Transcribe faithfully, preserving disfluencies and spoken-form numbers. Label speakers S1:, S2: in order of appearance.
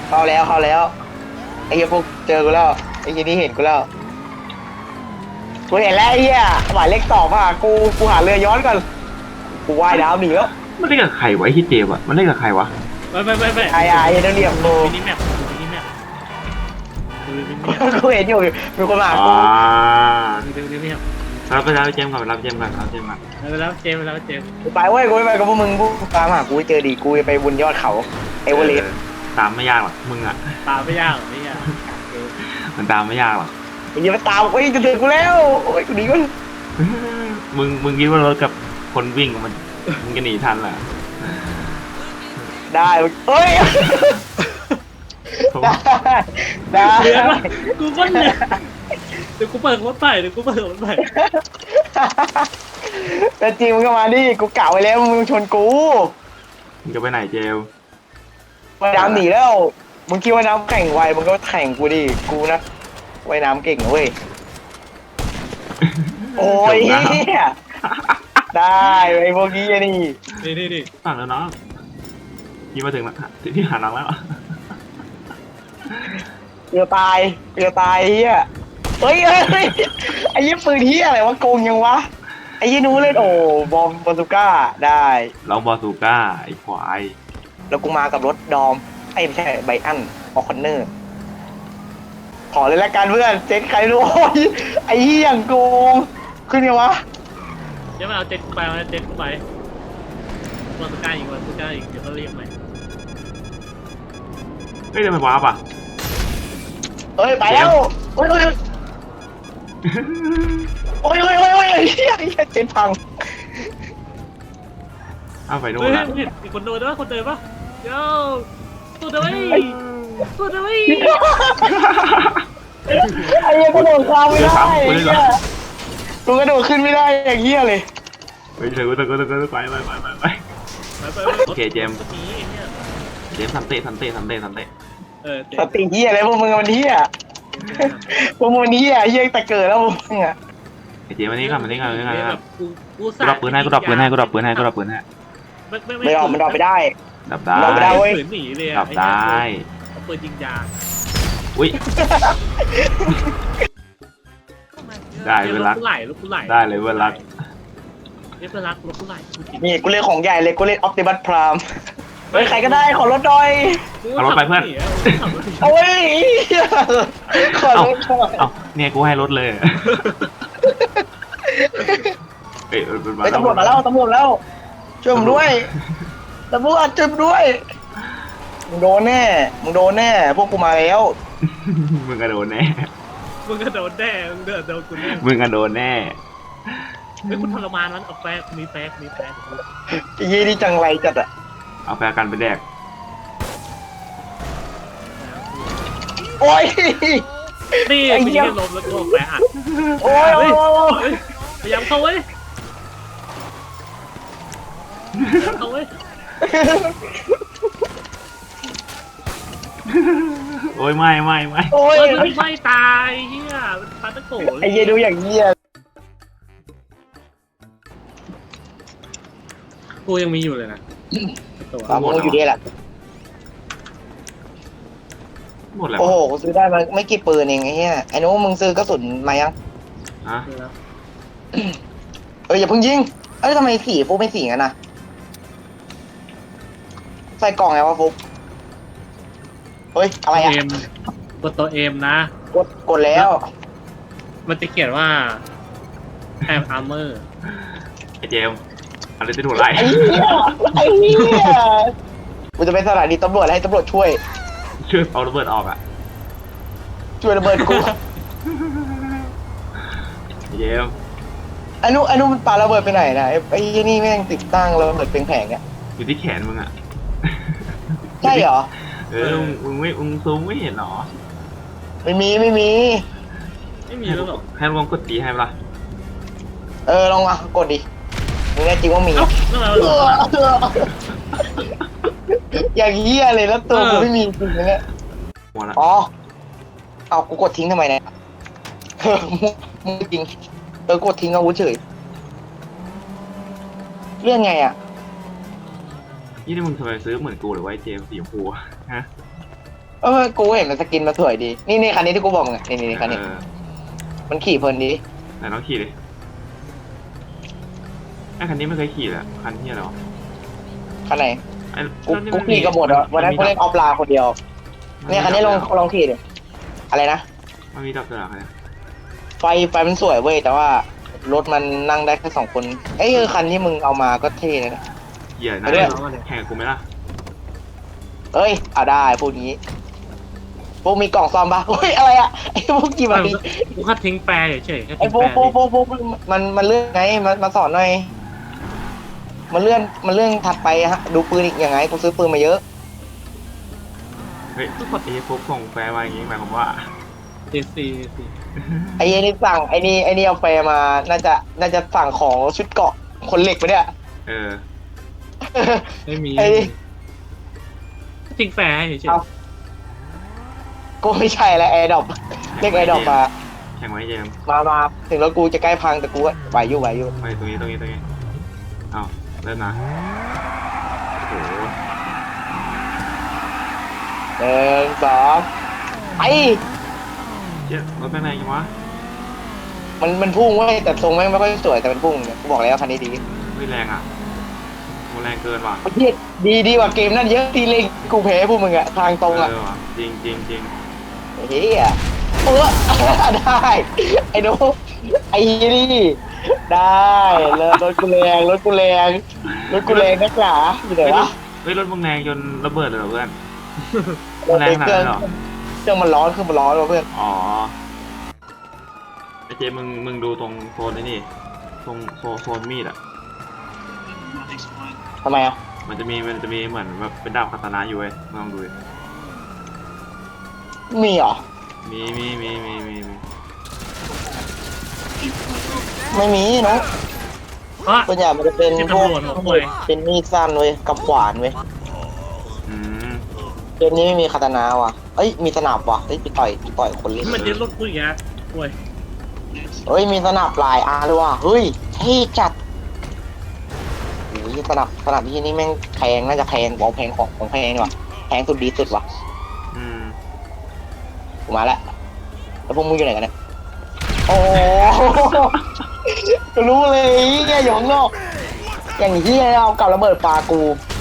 S1: เข้าแล้วเข้าแล้วไอ้เหี้ยพวกเจอกูแล้วไอ้เหี้ยนี่เห็นกูแล้วกูเห็นแล้วไอ้เหี้ยหมายเลขสองอ่ะกูกูหาเรือย้อนก่อนกูว่ายน้ำหนีแล้ว
S2: มันเล่นกับใครวะไอ้ที่เจมอะมันเล่นกับใครวะ
S3: ไม่ไม่ไม่ไม่
S1: ไอ้ไอ้เดี๋ยวเรียกกู
S3: มินิแมปมินิแมปดูมินิแมป
S1: กูเห็นอยู่มีคนมาหา
S2: อ๋อ
S1: กู
S3: ดูมินิแมป
S2: รับไปรับเจมก่อนรับเจมก่อนรับเจมก่อน
S3: ไปแล้วเจมไปแล้วเจม
S1: กูไปเว้ยกูไม่ไปกับพวกมึงพวกมึงตามหากูให้เจอดีกูจะไปบนยอดเขาเอเวอเรสต์
S2: ตามไม่ยากหรอกมึงอะ
S3: ตามไม่ยากหรอกไม่ยาก
S2: มันตามไม่ยากหรอก
S1: มึงอย่ามาตามเฮ้ยจะถึงกูแล้วโอ้ยกูหนีก่อน
S2: มึงมึงคิดว่ารถกับคนวิ่งมันมึงจะหนีทันเหรอ
S1: ได้เฮ้ยได้ได้
S3: เดือนวะกูก็เนี่ยเดี๋ยวกูเปิดรถไปเดี๋ยวกูเปิดรถไป
S1: แต่จริงมึงก็มาดิกูกะไว้แล้วมึงชนกู
S2: มึงจะไปไหนเจล
S1: ว่ายน้ำหนีแล้วมึงคิดว่าน้ำแข่งไวมึงก็แข่งกูดิกูนะว่ายน้ำเก่งนะเว้ยโอ้ยเฮียได้ไอ้พวกนี้นี่
S3: นี่นี่นี่
S2: ฝั่งแล้วน้องพี่มาถึงแล้วที่หาน้องแล้ว
S1: เกือบตายเกือบตายเฮียเฮ้ยเฮ้ยไอ้ยี่ปืนเฮียอะไรวะโกงยังวะไอ้ยี่นู้เล่นโอ้บอมบอลซูก้าได้
S2: ลองบอซูก้าไอ้ควาย
S1: แล้วกูมากับรถดอมไอ้ไม่ใช่ไบอันออคอนเนอร์ขอเลยละกันเพื่อนเจ๊ใครรู้โอ้ยไอ้เหี้ยอย่างโกงขึ้นไงวะ
S3: เดี๋ยวมาเอาเจ็ตกูไปเอาเจ็ตกูไปวันสุดท้ายอีกวันสุดท้ายอีกเดี๋ยวก็เรียกไหม
S2: เฮ้ยจะไปวาร์ปอ่ะ
S1: เอ้ยไปแล้วโอ้ยโอ้ยโอ้ยโอ้ยโอ้ยโอ้ยไอ้เหี้ยไอ้เหี้ยเจ๊พัง
S2: อ้าวไปนู่น
S3: เฮ้ย
S2: ละ
S3: เห็นมีคนโดนด้วยคนเดินปะโย่ตัวเดินตัวเดิน
S1: ไอ้เหี้ยกระโดดข้ามไม่ได้ไอ้เหี้ยกูกระโดดขึ้นไม่ได้อย่างเหี้ยเลย
S2: ไปเถอะไปเถอะไปเถอะไปไปไปไปไป โอเคเจมส์
S3: นี้เนี่ย
S2: เจมสันเตะสันเตะสันเตะสันเตะ
S3: เออ
S1: สติเหี้ยอะไรพวกมึงมันเหี้ยพวกมึงมันเหี้ยเหี้ยแต่เกิดแล้วพวกมึงอะ
S2: ไอ้เจมวันนี้ก่อนวันนี้ก่อนวันนี้ก่อน
S3: แบบกูกู
S2: กูดับปืนให้กูดับปืนให้กูดับปืนให้กูดับปืนให้
S1: ไม่ออกมันออกไปได้
S2: ดับได้
S1: เราไม่ได้เว้ย
S3: ฝืนหนีเลย
S2: ดับได้
S3: เอาปืนยิงยาง
S2: อุ้ยได้เวลา
S3: ลูกไหลลูกไหล
S2: ได้เลยเวลา
S3: เรียกเวลาลูกไหล
S1: นี่กูเล่นของใหญ่เลยกูเล่นออปติมัสพรามเฮ้ยใครก็ได้ขอรถหน่อย
S2: เอารถไปเพื่อน
S1: โอ้ยขอรถหน่อย
S2: เอ้าเนี่ยกูให้รถเลยเอ้ย
S1: เฮ้ยตำรวจมาแล้วตำรวจแล้วช่วยผมด้วยตำรวจช่วยผมด้วยมึงโดนแน่มึงโดนแน่พวกกูมาแล้ว
S2: มึงกระโดดแน่
S3: มึงก็โดนแน่มึงเดินโดนกูแน่
S2: มึงกระโดดแน่
S3: เฮ้ยคุณทรมานมันเอาแฟกมีแฟกมีแฟก
S1: ไอ้ยี่นี่จังไรจัดอะ
S2: เอาแฟกันไปแดก
S1: โอ้ย
S3: นี่
S1: ไอ้
S3: มี
S1: เหี้ย
S3: แค่ลมแล้วก็แฟกอัด
S1: โอ้ยโอ้ยโอ้ย
S3: พยายามเข้าเว้ยเข้าเว้ย
S2: โอ้ยไม่ไม่ไม่
S1: โอ้ย
S3: เฮ้ยไม่ตายเฮียปาตะโก
S1: ไอ้ยี่ดูอย่างเงี้ย
S3: กูยังมีอยู่เลยนะตัว
S1: สามโมงอยู่ดีแหละ
S2: หมดแล้ว
S1: โอ้โหกูซื้อได้มาไม่กี่ปืนเองไอ้เหี้ยไอ้นู้มึงซื้อกระสุนมายัง
S2: ฮะ
S1: เอออย่าเพิ่งยิงเอ้ยทำไมสีฟุกไม่สีกันนะใส่กล่องไงวะฟุกเฮ้ยอะไรอ่ะ
S3: เอ็มกดตัวเอ็มนะ
S1: กดกดแล้ว
S3: มันจะเขียนว่าแอมอาร์เมอร์
S2: ไอ้เจมอะไรจะถูกไล่
S1: ไอ้เหี้ยไอ้เหี้ยกูจะไปสถานีตำรวจแล้วให้ตำรวจช่วย
S2: ช่วยเอาระเบิดออกอ่ะ
S1: ช่วยระเบิดกู
S2: ไอ้เจม
S1: ไอ้นู้ไอ้นู้มันปาระเบิดไปไหนนะไอ้ไอ้ยี่นี่แม่งติดตั้งระเบิดเป็นแผงเนี่ย
S2: อยู่ที่แขนมึงอ่ะ
S1: ใช่เหรอ
S2: เออมึงมึงไม่มึงซูมไม่เห็นหรอ
S1: ไม่มีไม่มี
S3: ไม่มีแล้วหรอ
S2: ให้ลองกดตีให้ปะล่ะ
S1: เออลองมากดดิมึงแน่จริงว่ามี
S3: เอ้านั่นแหละ
S1: เอออย่างเหี้ยเลยแล้วตัวกูไม่มีจริงนะเนี่ย
S2: หัวละ
S1: อ๋อเอากูกดทิ้งทำไมเนี่ยเออมึงมึงจริงเออกดทิ้งเอาวุธเฉยเรื่องไงอ่ะ
S2: ยี่นี่มึงทำไมซื้อเหมือนกูหรือว่าไอ้เจมสีชมพูฮะ
S1: เอเออกูเห็นมันสกินมาสวยดีนี่นี่คันนี้ที่กูบอกมึงอะนี่นี่คันนี้
S2: เออ
S1: มันขี่เพลินดี
S2: ไหนลองขี่ดิไอ้คันนี้ไม่เคยขี่เลยคันที่อะไรวะ
S1: คันไหน
S2: ไอ้
S1: กู
S2: แล้วนี่
S1: กู
S2: มัน
S1: ขี่กับหมดอ่ะวันนั้นกูเล่นออฟไลน์คนเดียวเนี่ยคันนี้ลองลองขี่ดิอะไรนะ
S2: มันมีดับเบิลหรอคันนี้
S1: ไฟไฟมันสวยเว้ยแต่ว่ารถมันนั่งได้แค่สองคนเอ้ยคันที่มึงเอามาก็เท่เลยนะ
S2: เหยียด
S1: ไป
S2: นะ
S1: ด้วย
S2: แข่งกับกูไหมล่ะ
S1: เอ้ยเอาได้พูดงี้พวกมีกล่องซ่อมปะเฮ้ยอะไรอะไอ้พวกกี่บาท
S3: กูแค่ทิ้งแปรเฉยๆแค่
S1: ไอ้
S3: ทิ้ง
S1: พว
S3: แป
S1: ก
S3: ร
S1: พวกพวกพวกมันมันเลื่อนไงมามาสอนหน่อยมันเลื่อนมันเลื่อนถัดไปฮะดูปืนอีกยังไงกูซื้อปืนมาเยอะ
S2: เฮ้ยไอ้พวกส่งแฟร์มาอย่างงี้หมายความว่า
S3: เจซีซี
S1: ไอ้เหี้ยนี่สั่งไอ้นี่ไอ้นี่เอาไปมาน่าจะน่าจะสั่งของชุดเกราะคนเหล็กไปเนี่ย
S2: เออ
S3: ไม่มี
S1: ไอ้
S3: ทิ้งแปรเฉย
S1: เอากูไม่ใช่แล้วแอร์ดรอปเรียกแอร์ดรอปมา
S2: แข่งไว้เจมส์
S1: มามาถึงรถกูจะใกล้พังแต่กูก็ไหวอยู่ไหวอยู่
S2: ไปตรงนี้ตรงนี้ตรงนี้เอาเริ่มนะโอ้โห
S1: หนึ่งสองไอ้
S2: เจ๊รถเป็นไงกันวะ
S1: มันมันพุ่งเว้ยแต่ทรงแม่งไม่ค่อยสวยแต่มันพุ่งเนี่ยกูบอกแล้วคันนี้ดี
S2: ไม่แรงอ่ะโหแรงเกินว่ะ
S1: เฮียดีดีกว่าเกมนั่นเยอะทีเลยกูแพ้พวกมึงอะทางตรงอะ
S2: เออว่ะจริงจริงจริง
S1: เฮียเออ ได้ไอ้โน้ไอ้นี่ได้เลยรถกูแรงรถกูแรงรถกูแรงนักหนาอยู่ไหนวะ
S2: เฮ้ยรถมึงแรงจนระเบิดเลยเหรอเพื่อนมันแรงขนาดนั้นเหรอ
S1: เครื่องมันร้อนเครื่องมันร้อนว่ะเพื่อน
S2: อ๋อไอเจมึงมึงดูตรงโซนไอ้นี่ตรงโซโซนมีดอ่ะ
S1: ทำไมอะ
S2: มันจะมีมันจะมีเหมือนแบบเป็นดาบคาตานะอยู่เว้ยลองดูดิ
S1: มีเหรอ
S2: มีมีมีมีมีมี
S1: ไม่มีเนาะ
S3: ๆอ่ะ
S1: ส่วนใหญ่มันจะเป็น
S3: เป็น
S1: พวก
S3: ตำรวจหัวป่วย
S1: เป็นมีดสั้นเว้ยกับขวานเว้ย
S2: อืม
S1: เกมนี้ไม่มีคาตานาว่ะเอ้ยมีสนับว่ะเอ้ยไปต่อยไปต่อยคนเล่น
S3: มันยึดรถกูอีกแล้วป่วย
S1: เฮ้ยมีสนับลายอาร์ด้วยว่ะเฮ้ยเท่จัดโอ้ยสนับสนับที่นี่แม่งแพงน่าจะแพงบอกแพงของของแพงดีว่ะแพงสุดดีสุดว่ะ
S2: อืม
S1: กูมาแล้วแล้วพวกมึงอยู่ไหนกันเนี่ยโอ้กูรู้เลยเฮียอยู่ข้างนอกอย่างเฮียเอากับระเบิดปลากู